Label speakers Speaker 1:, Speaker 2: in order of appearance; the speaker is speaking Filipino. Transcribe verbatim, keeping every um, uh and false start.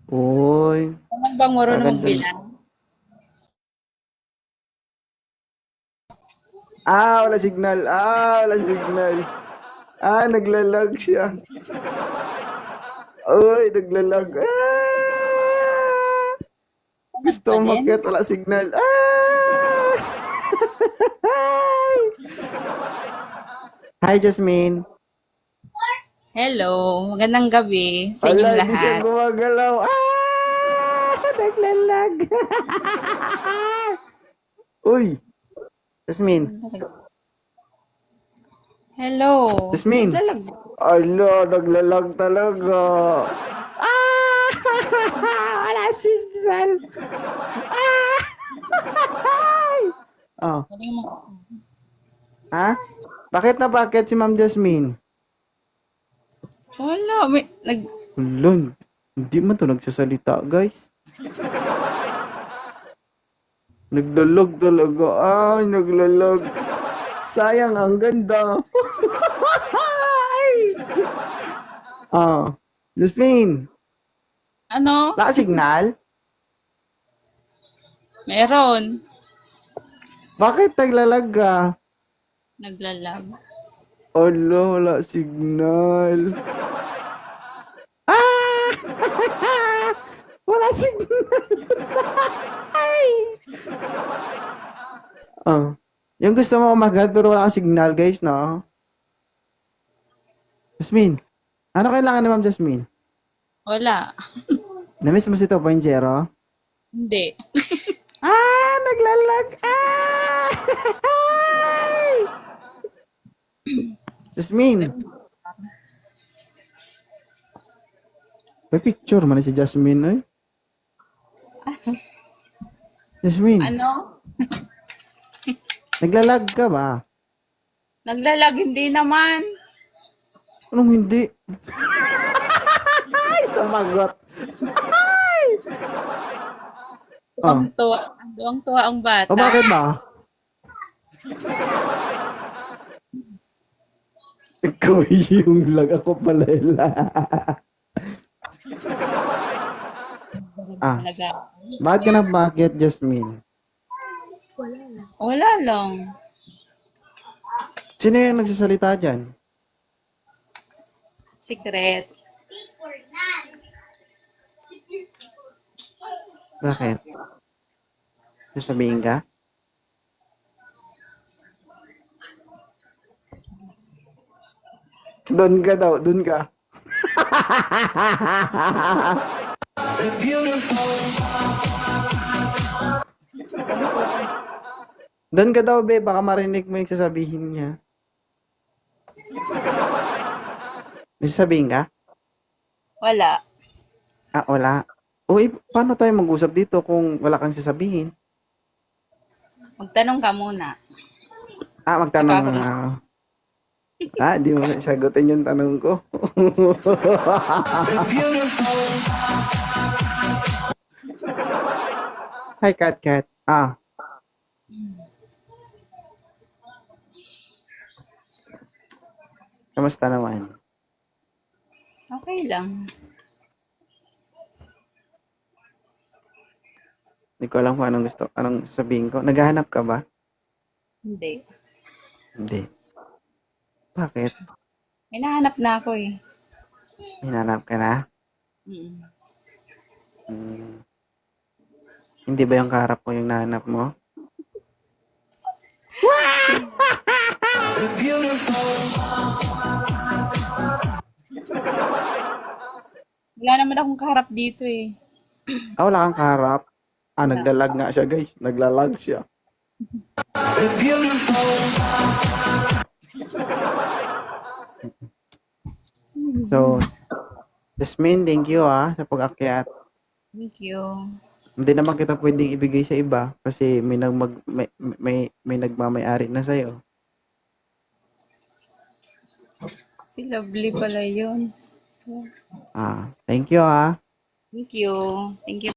Speaker 1: Uy,
Speaker 2: Naman bang marunong
Speaker 1: maganda.
Speaker 2: magbilang?
Speaker 1: Ah, wala signal. Ah, wala signal. Ah, naglalag siya. Uy, naglalag. Ah!
Speaker 2: Lag
Speaker 1: Gusto
Speaker 2: pa
Speaker 1: ko
Speaker 2: din?
Speaker 1: umakyat, wala signal. Ah! Hi, Jasmine.
Speaker 2: Hello, magandang gabi sa
Speaker 1: Ala,
Speaker 2: inyong
Speaker 1: hindi siya
Speaker 2: lahat.
Speaker 1: gumagalaw. Ah! Naglalag. Uy, Jasmine.
Speaker 2: Hello,
Speaker 1: Jasmine.
Speaker 2: naglalag.
Speaker 1: Ala, naglalag talaga. Ah! Wala signal. Ah! Oh,
Speaker 2: Galing mo.
Speaker 1: ha? Bakit na bakit si Ma'am Jasmine?
Speaker 2: Wala, may, nag,
Speaker 1: Ulun, hindi man to nagsasalita, guys. Naglalag talaga. Ay, naglalag. Sayang, ang ganda. Ay! Oh, Jasmine,
Speaker 2: ano?
Speaker 1: wala signal?
Speaker 2: Meron.
Speaker 1: Bakit naglalag ka?
Speaker 2: Naglalag.
Speaker 1: Ala, wala signal. Ah! Wala signal. Ay! Oh. Yung gusto mo umagat pero wala kang signal, guys, no? Jasmine, ano kailangan ni Ma'am Jasmine?
Speaker 2: Wala.
Speaker 1: Namiss mo si two point oh?
Speaker 2: Hindi.
Speaker 1: Ah! Naglalag! Ah! Jasmine, may picture man si Jasmine, ay. Jasmine,
Speaker 2: Ano?
Speaker 1: naglalag ka ba?
Speaker 2: Naglalag, hindi naman.
Speaker 1: Anong hindi? Ay, sumagot. Ay!
Speaker 2: Tuwang
Speaker 1: Oh.
Speaker 2: tuwa. Tuwang tuwa ang
Speaker 1: O
Speaker 2: bata.
Speaker 1: bakit ba? Ikaw yung lag, ako pala ila. Ah,
Speaker 2: Talaga.
Speaker 1: bakit ka na bakit, Jasmine?
Speaker 2: Wala lang.
Speaker 1: Sino yung nagsasalita dyan?
Speaker 2: Secret.
Speaker 1: Bakit? Sasabihin ka? Doon ka daw, doon ka. Doon ka daw, be. Baka marinig mo yung sasabihin niya. May sasabihin ka?
Speaker 2: Wala.
Speaker 1: Ah, wala. Uy, paano tayo mag-usap dito kung wala kang sasabihin?
Speaker 2: Magtanong ka muna.
Speaker 1: Ah,
Speaker 2: Saka
Speaker 1: magtanong
Speaker 2: ako
Speaker 1: na.
Speaker 2: mag-
Speaker 1: Ah, di mo na sagutin yung tanong ko. Hi, Kat Kat. Ah, kamusta naman?
Speaker 2: Okay lang.
Speaker 1: Hindi ko alam kung anong gusto, anong sasabihin ko. Naghahanap ka ba?
Speaker 2: Hindi.
Speaker 1: Hindi. Bakit?
Speaker 2: Hinahanap na ako eh.
Speaker 1: Hinanap ka na?
Speaker 2: Mm.
Speaker 1: Hmm. Hindi ba yung kaharap ko yung nahanap mo?
Speaker 2: Wala naman akong kaharap dito eh.
Speaker 1: Ah, wala kang kaharap? Ah,
Speaker 2: Wala.
Speaker 1: naglalag nga siya, guys. Naglalag siya. So, Jasmine, thank you ah sa pag-akyat.
Speaker 2: Thank you.
Speaker 1: Hindi naman kita pwedeng ibigay sa iba kasi may nagmag may may, may nagmamay-ari na sa'yo.
Speaker 2: Si Lovely pala yun.
Speaker 1: Ah, thank you ah.
Speaker 2: Thank you. Thank you.